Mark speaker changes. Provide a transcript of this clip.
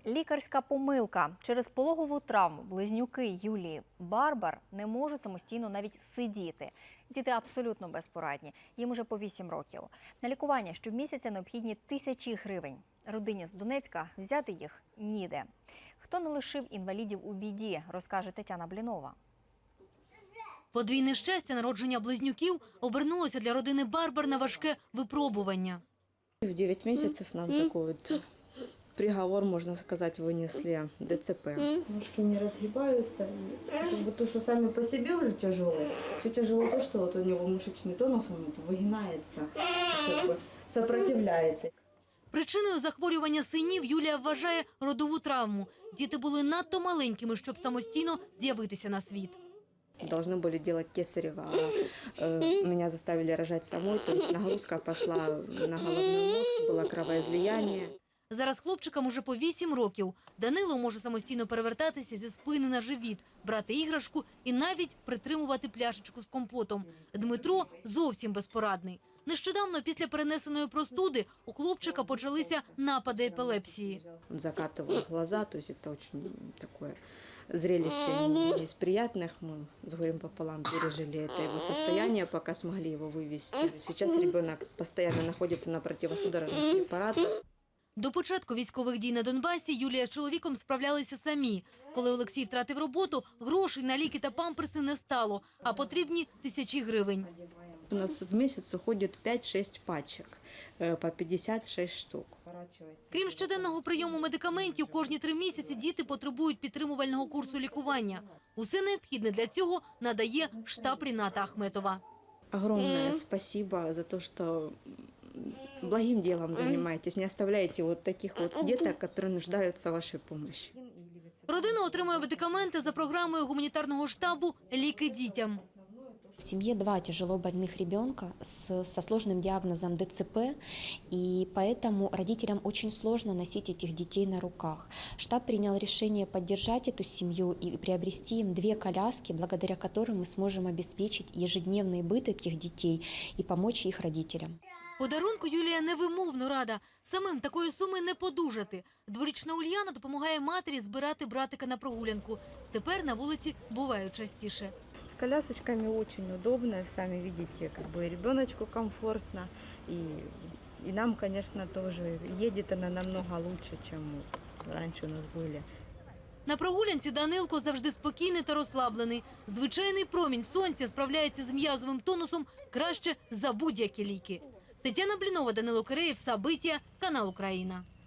Speaker 1: Лікарська помилка. Через пологову травму близнюки Юлії Барбар не можуть самостійно навіть сидіти. Діти абсолютно безпорадні. Їм уже по 8 років. На лікування щомісяця необхідні тисячі гривень. Родині з Донецька взяти їх ніде. Хто не лишив інвалідів у біді, розкаже Тетяна Блінова.
Speaker 2: Подвійне щастя народження близнюків обернулося для родини Барбар на важке випробування.
Speaker 3: В 9 месяцев нам такой вот приговор, можно сказать, вынесли ДЦП.
Speaker 4: Ножки не разгибаются. Как бы то, что сами по себе уже тяжело. Все тяжело то, что вот у него мышечный тонус, он выгинается, как бы сопротивляется.
Speaker 2: Причиною захворювання синів Юлія вважає родову травму. Діти були надто маленькими, щоб самостійно з'явитися на світ.
Speaker 3: Должны были делать кесарево, а меня заставили рожать самой, то есть нагрузка пошла на головной мозг, было кровоизлияние.
Speaker 2: Зараз хлопчикам уже по 8 років. Данило може самостійно перевертатися зі спини на живіт, брати іграшку і навіть притримувати пляшечку з компотом. Дмитро зовсім безпорадний. Нещодавно після перенесеної простуди у хлопчика почалися напади епілепсії.
Speaker 3: Он закатывал глаза, то есть это очень такое зрелище не из приятных. Мы с горем пополам пережили это его состояние, пока смогли его вывести. Сейчас ребенок постоянно находится на противосудорожных препаратах.
Speaker 2: До початку військових дій на Донбасі Юлія з чоловіком справлялися самі. Коли Олексій втратив роботу, грошей на ліки та памперси не стало, а потрібні тисячі гривень.
Speaker 3: У нас в месяц уходит 5-6 пачек по 56 штук.
Speaker 2: Крім щоденного прийому медикаментів, кожні 3 місяці діти потребують підтримувального курсу лікування. Усе необхідне для цього надає штаб Ріната Ахметова.
Speaker 3: Огромное спасибо за то, что благим делом занимаетесь, не оставляете вот таких вот деток, которые нуждаются в вашей помощи.
Speaker 2: Родина отримує медикаменти за програмою гуманітарного штабу «Ліки дітям».
Speaker 5: В семье 2 тяжело больных ребенка со сложным диагнозом ДЦП, и поэтому родителям очень сложно носить этих детей на руках. Штаб принял решение поддержать эту семью и приобрести им 2 коляски, благодаря которым мы сможем обеспечить ежедневный быт этих детей и помочь их родителям.
Speaker 2: Подарунку Юлія невимовно рада. Самим такої суми не подужати. Дворічна Ульяна допомагає матері збирати братика на прогулянку. Тепер на вулиці бувають частіше.
Speaker 4: С колясочками очень удобно, сами видите, как бы ребеночку комфортно. И нам, конечно, тоже едет она намного лучше, чем раньше у нас были.
Speaker 2: На прогулянці Данилко завжди спокійний та розслаблений. Звичайний промінь сонця справляється з м'язовим тонусом краще за будь-які ліки. Тетяна Блінова, Данило Киреєв, Сабиття, канал Україна.